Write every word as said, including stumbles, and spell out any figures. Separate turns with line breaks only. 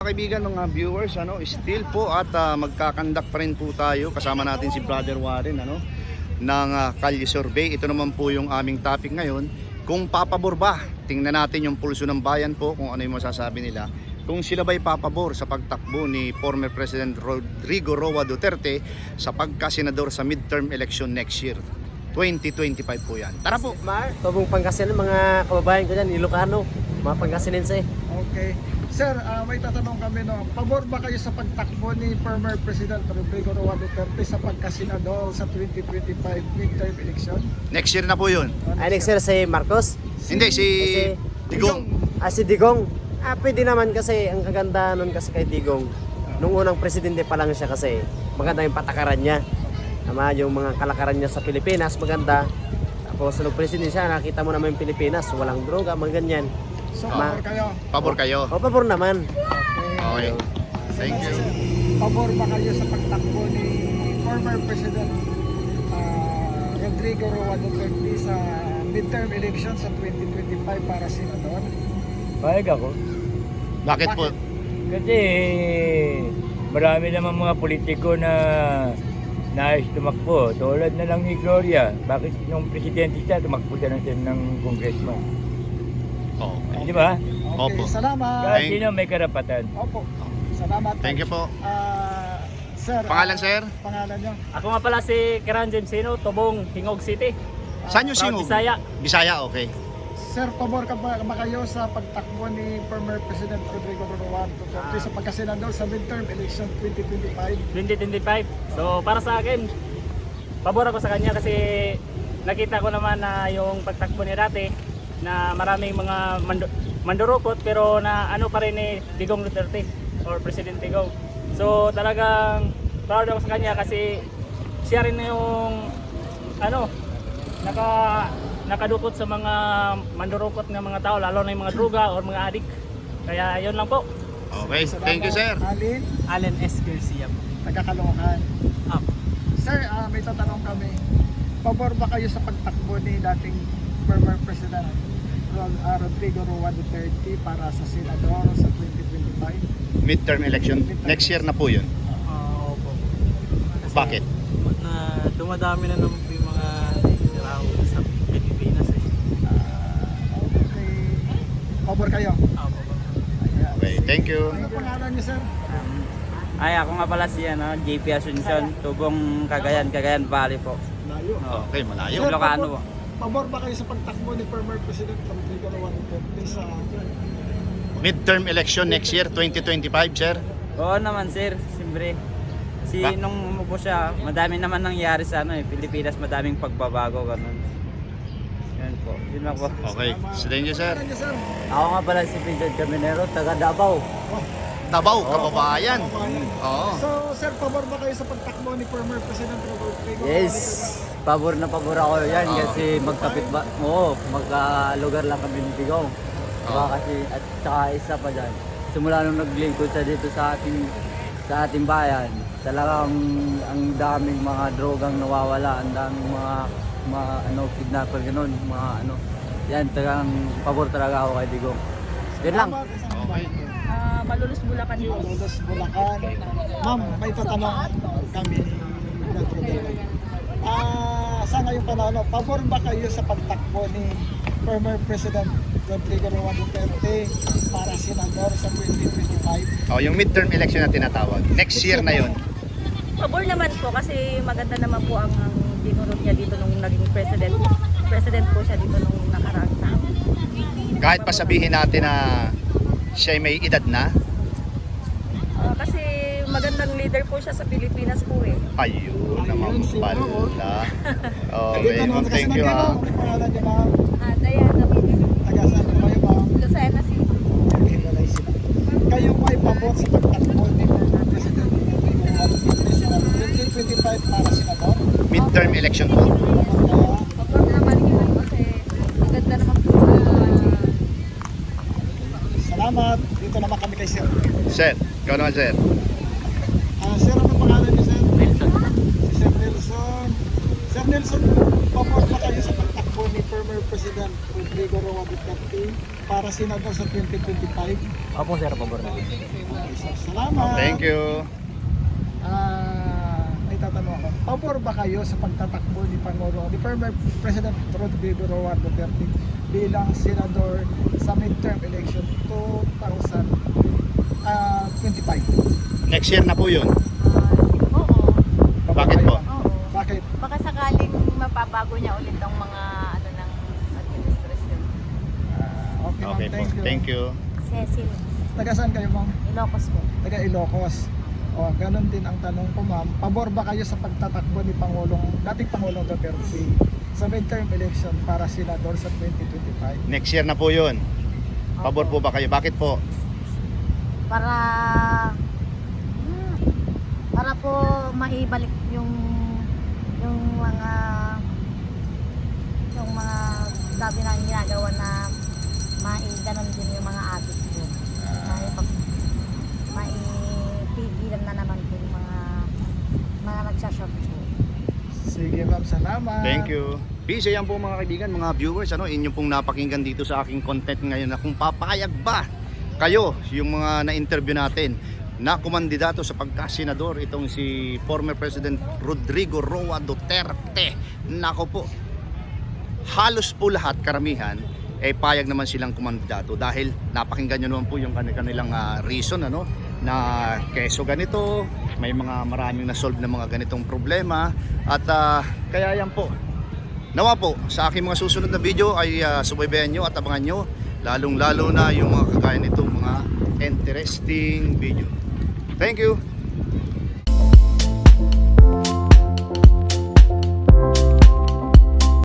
kaibigan, mga viewers, ano, still po at uh, magkakandak pa rin po tayo. Kasama natin si Brother Warren, ano, ng uh, Kalye Survey. Ito naman po yung aming topic ngayon. Kung papabor ba, tingnan natin yung pulso ng bayan po, kung ano yung masasabi nila. Kung sila ba'y papabor sa pagtakbo ni former President Rodrigo Roa Duterte sa pagkasenador sa midterm election next year. twenty twenty-five po yan. Tara po!
Mar, tubong Pangasinan, mga kababayan ko dyan, Ilocano, mga Pangasinense.
Okay. Sir, uh, may tatanong kami, no. Pabor ba kayo sa pagtakbo ni former President Rodrigo Roa Duterte sa pagkasenador sa twenty twenty-five midterm election?
Next year na po yun.
Ay, next year si Marcos?
Hindi, si
Si-
Digong.
Ah, si Digong? Ah, pwede naman kasi, ang kaganda nun kasi kay Digong, nung unang presidente pa lang siya kasi, maganda yung patakaran niya. Tama, yung mga kalakaran niya sa Pilipinas, maganda. Tapos nung presidente siya, nakita mo naman yung Pilipinas, walang droga, mga ganyan.
So,
Ma-
pabor kayo?
Pabor kayo.
O, pabor naman.
Okay. Thank you.
Pabor ba kayo sa pagtakbo ni former President uh, Rodrigo Roa Duterte sa midterm election sa twenty twenty-five para senador?
Payag ako.
Bakit po?
Kasi marami naman mga politiko na nais tumakbo. Tulad na lang ni Gloria. Bakit nung presidente siya, tumakbo siya ng, ng congressman?
Okay.
Di ba?
Okay,
Opo.
salamat.
Kahit
Thank-
sino may karapatan.
Opo. Salamat.
Thank you po.
Ah, sir.
Pangalan,
ah,
sir?
Pangalan niyo?
Ako nga pala si Kiran Jemsino, Tubong, Hingog City.
Saan yung
Proud
singog?
Bisaya.
Bisaya, okay.
Sir, pabor ka ba, ba kayo sa pagtakbo ni former President Rodrigo Roa Duterte sa pagkasenador sa midterm election twenty twenty-five?
twenty twenty-five. So para sa akin, pabor ako sa kanya kasi nakita ko naman na yung pagtakbo niya dati na maraming mga mando- mandurukot pero na ano pa rin ni Digong Duterte or President Digong. So talagang proud ako sa kanya kasi siya rin yung ano naka nakadukot sa mga mandurukot ng mga tao, lalo na yung mga droga or mga adik. Kaya yun lang po.
Okay, thank you, sir.
Alin,
Allen S. Garcia po.
taga-Caloocan.
Up.
Sir, ah, may tatanong kami. Pabor ba kayo sa pagtakbo ni dating former President Ro- ah, Rodrigo Roa Duterte para sa senador sa twenty twenty-five?
Midterm election. Next year na po yun.
Oo po.
Bakit?
Na dumadami na naman po yung mga niraw sa Pilipinas eh.
Ah, okay. Pabor kayo?
Oo po.
Ayan.
Okay, thank you.
Ano pangalan niyo, sir?
Ay, ako nga pala si ano, J P Asuncion, Tubong Cagayan, Cagayan Valley po.
Layo.
Okay, malayo.
Sir,
Ilocano
pabor, pabor ba kayo sa pagtakbo ni former President Rodrigo Roa Duterte sa
Midterm election next year, twenty twenty-five, sir.
Oo naman sir, siyempre. Si
Ba-
nung umupo siya, madami naman nangyari sa ano eh, Pilipinas, madaming pagbabago ganun. Yan po, yun lang po.
Okay, so thank you, sir.
Pangalan niyo, sir?
Ako nga pala si Vincent Caminero, taga Davao.
Tabaw, kababayan. Oo.
So, sir, pabor ba kayo sa pagtakbo ni former President Rodrigo?
Yes, pabor na pabor ako yan
Oo.
kasi magkapit ba, oo, magka-lugar lang kami ni Digong. Diba kasi, at saka isa pa dyan, simula nung naglingkod siya dito sa ating, sa ating bayan, talagang ang daming mga drogang nawawala, ang daming mga, mga ano, kidnapper ganun, mga ano, yan, talagang pabor talaga ako kay Digong. Yan lang.
Okay.
Ah, Malulus Bulacan po.
Malulus, Bulacan. Ma'am, may tatanong kami ni Rodrigo. Ah, sa ngayong panahon, no, pabor ba kayo sa pagtakbo ni former President Rodrigo Roa Duterte para senador sa twenty twenty-five?
Oh, yung midterm election na tinatawag. Next year na yun.
Pabor naman po kasi maganda naman po ang, ang dinurot niya dito nung naging president. President po siya dito nung nakaraang taon.
Kahit pa sabihin natin na siya ay may edad na.
Ah, kasi magandang leader po siya sa Pilipinas po eh.
Ayun naman pala. Okay,
Dito naman
well,
kasi
thank you,
nandito,
ha.
may pangalan niyo, ma'am.
Ah, Diana,
Taga saan po kayo, ma'am?
Lucena City.
Hiwalay sila. Kayo may pabor sa pagtakbo ni former President Rodrigo Roa Duterte sa twenty twenty-five para senador?
Midterm election po.
Kaya,
Pabor naman yun kasi maganda naman po sa
salamat. Dito naman kami kay Sir.
Sir, ikaw naman, sir.
Ah, Sir, ano pangalan niyo, Sir?
Wilson.
Si Sir Nelson. Sir Nelson, pabor ba kayo sa pagtakbo ni former President Rodrigo Roa Duterte para senador sa twenty twenty-five?
Opo sir, pabor na.
Okay, sir. Salamat.
Thank you.
Ah, may tatanong ako. Pabor ba kayo sa pagtatakbo ni Pangulo, ni former President Rodrigo Roa Duterte bilang senador sa midterm election twenty twenty-five?
Next year na po yun.
Oo.
Pabor
Bakit
kayo,
po?
ma'am?
Oo.
Bakit?
Baka sakaling mapabago niya ulit ang mga ano ng administrasyon.
Ah, okay, ma'am.
Okay po.
Thank you.
Thank you.
Cecil,
Taga saan kayo, ma'am?
Ilocos po.
Taga Ilocos. O, ganun din ang tanong ko, ma'am. Pabor ba kayo sa pagtatakbo ni Pangulong, dating Pangulong Duterte sa midterm election para senador sa twenty twenty-five?
Next year na po yun. Pabor po ba kayo? Bakit po?
Para hmm, para po maibalik yung yung mga yung mga dati na ginagawa na maiganon din yung mga adik ko. Uh, maipigilan na naman po yung mga mga nagsashop po.
Sige, ma'am. Salamat.
Thank you. Peace, yan po mga kaibigan, mga viewers, ano, inyo pong napakinggan dito sa aking content ngayon na kung papayag ba kayo, yung mga na-interview natin na kumandidato sa pagkasenador, itong si former President Rodrigo Roa Duterte. Nako po, halos po lahat, karamihan, eh payag naman silang kumandidato dahil napakinggan nyo naman po yung kanilang uh, reason, ano, na keso ganito, may mga maraming na-solve na mga ganitong problema at uh, kaya yan po. Nawa po, sa aking mga susunod na video ay uh, subaybayan nyo at abangan nyo lalong lalo na yung mga kagaya nitong mga interesting video. Thank you!